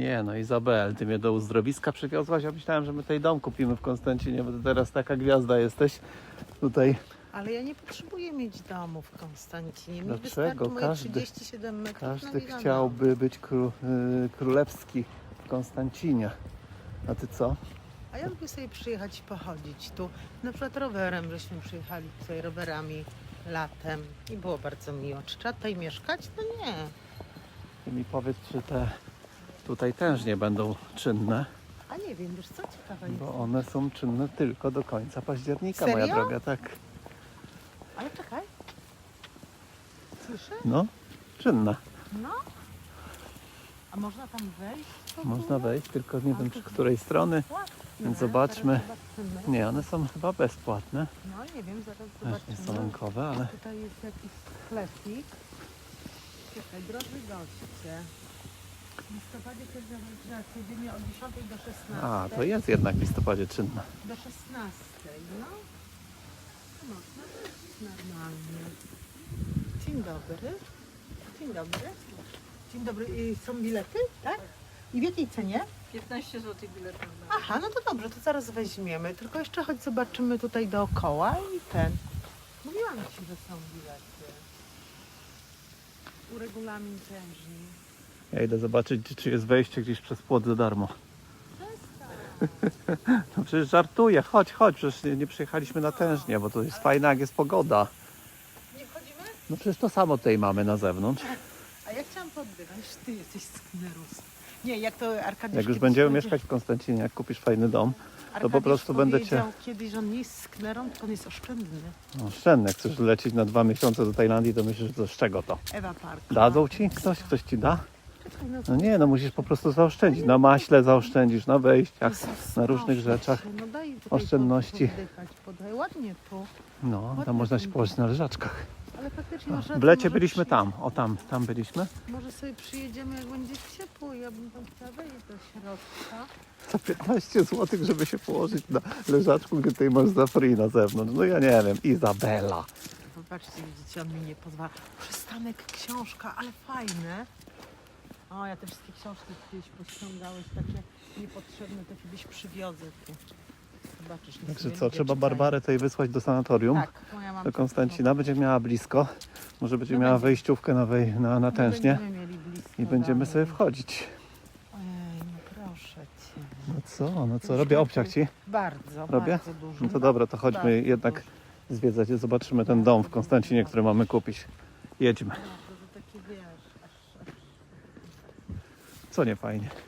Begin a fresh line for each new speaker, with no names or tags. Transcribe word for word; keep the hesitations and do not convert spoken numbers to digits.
Nie no, Izabel, ty mnie do uzdrowiska przywiozłaś? Ja myślałem, że my tutaj dom kupimy w Konstancinie, bo ty teraz taka gwiazda jesteś tutaj.
Ale ja nie potrzebuję mieć domu w Konstancinie. Mi
Dlaczego?
wystarczy moje
Każdy-
trzydzieści siedem metrów
Każdy
na milion
chciałby być kró, y, królewski w Konstancinie. A ty co?
A ja lubię sobie przyjechać i pochodzić tu. Na przykład rowerem, żeśmy przyjechali tutaj rowerami latem i było bardzo miło. Czy trzeba tutaj mieszkać? No nie.
Ty mi powiedz, czy te tutaj tężnie będą czynne,
A nie wiem, wiesz co? Ciekawe jest.
bo one są czynne tylko do końca października, moja
Serio?
droga, tak.
Ale czekaj. Słyszę?
No, czynne.
No. A można tam wejść? w ogóle?
Można wejść, tylko nie
A
wiem
to
przy której strony.
Płatne.
Więc zobaczmy.
Zaraz zobaczymy.
Nie, one są chyba bezpłatne.
No nie wiem, zaraz
Też nie
zobaczymy.
są rynkowe, ale
Tutaj jest jakiś sklepik. Czekaj, drodzy goście. W listopadzie każda codziennie od dziesiątej do szesnastej.
a, to jest jednak w listopadzie czynne.
Do szesnastej, no. To można wejść normalnie. Dzień dobry. Dzień dobry. Dzień dobry. I są bilety, tak? I w jakiej cenie?
piętnaście złotych bilet na
Aha, no to dobrze, to zaraz weźmiemy. Tylko jeszcze choć zobaczymy tutaj dookoła i ten. Mówiłam ci, że są bilety. Uregulamin tężni.
Ja idę zobaczyć, czy jest wejście gdzieś przez płot za darmo. No przecież żartuję, chodź, chodź, przecież nie, nie przyjechaliśmy na tężnie, bo to jest fajne, jak jest pogoda.
Nie wchodzimy?
No przecież to samo tutaj mamy na zewnątrz.
A ja chciałam poddywać, ty jesteś sknerus. Nie, jak to Arkadiusz
Jak już
kiedyś
będziemy
powiedział-
mieszkać w Konstancinie, jak kupisz fajny dom, to po
Arkadiusz
prostu będę cię...
powiedział kiedyś, że on nie jest sknerą, tylko on jest oszczędny.
No, oszczędny, jak chcesz lecieć na dwa miesiące do Tajlandii, to myślisz, że to z czego to?
Ewa Park.
Dadzą ci? Ktoś? Ktoś ci da?
Czekaj, no,
No nie, no musisz po prostu zaoszczędzić. Na maśle zaoszczędzisz, na wejściach,
Jezus,
na różnych
proszę
rzeczach.
cię, no daj tutaj
oszczędności.
Poddychać, podaj ładnie tu.
No, tam można się położyć na leżaczkach.
Ale faktycznie masz rację,
W lecie
może
byliśmy
przy-
tam, o tam, tam byliśmy.
Może sobie przyjedziemy, jak będzie ciepło. Ja bym tam chciała wejść do środka.
Za piętnaście złotych, żeby się położyć na leżaczku, gdy tutaj masz za free na zewnątrz. No ja nie wiem, Izabela.
Popatrzcie, widzicie, on mi nie pozwala. Przystanek książka, ale fajne. O, ja te wszystkie książki kiedyś pościągałeś, takie niepotrzebne, to kiedyś przywiozę tu. Zobaczysz. nic
Także
nie
co,
lubię,
trzeba
czytają.
Barbarę tutaj wysłać do sanatorium,
Tak, moja mam
do Konstancina. Będzie miała blisko. Może będzie
No
miała
będzie.
wejściówkę na, wej, na, na tężnie.
Będziemy mieli blisko
I będziemy
dalej.
sobie wchodzić.
Ojej, no proszę cię.
No co, no co,
Już
robię
taki-
obciach ci?
Bardzo,
Robię?
bardzo dużo.
No to dobra, to chodźmy
Bardzo
jednak
dużo.
zwiedzać i zobaczymy ten dom w Konstancinie, który mamy kupić. Jedźmy.
No, to takie wiesz, aż, aż
Co nie fajnie.